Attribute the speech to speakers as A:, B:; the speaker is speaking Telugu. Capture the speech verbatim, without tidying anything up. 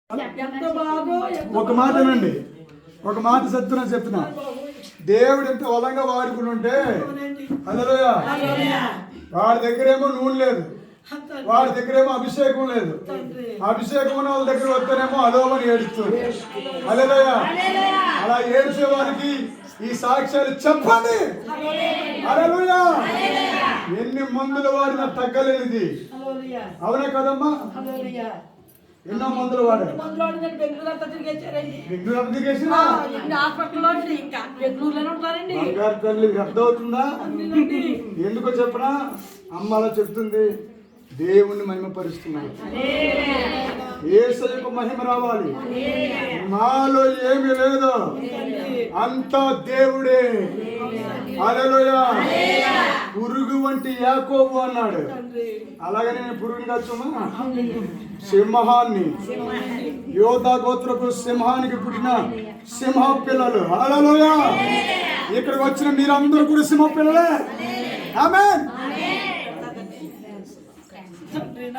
A: ఒక మాటనండి, ఒక మాట చెప్తున్నా చెప్తున్నా దేవుడు ఎంత బలంగా వాడుకుని ఉంటే హల్లెలూయా. వాడి దగ్గరేమో నూనె లేదు, వాడి దగ్గరేమో అభిషేకం లేదు. అభిషేకం ఉన్న వాళ్ళ దగ్గర వస్తేనేమో అదోమని ఏడుస్తుంది. హల్లెలూయా. అలా ఏడ్చే వారికి ఈ సాక్ష్యాలు చెప్పండి. హల్లెలూయా. ఎన్ని మందులు వాడినా తగ్గలేనిది. అవునా కదమ్మా? ఎన్నో మందులు వాడారు. బంగారు తల్లి వ్యర్థం అవుతుందా? ఎందుకో చెప్పనా? అమ్మ అలా చెప్తుంది, దేవుణ్ణి మహిమపరుస్తున్నాడు. యేసయ్యకు మహిమ రావాలి. మాలో ఏమీ లేదు, అంతా దేవుడే. హల్లెలూయా. పురుగు వంటి యాకోబు అన్నాడు. అలాగే నేను పురుగుని కాచుమా, సింహాన్ని, యోధా గోత్రపు సింహానికి పుట్టిన సింహ పిల్లలు. హల్లెలూయా. ఇక్కడికి వచ్చిన మీరందరూ కూడా సింహ పిల్లలే. ఆమేన్.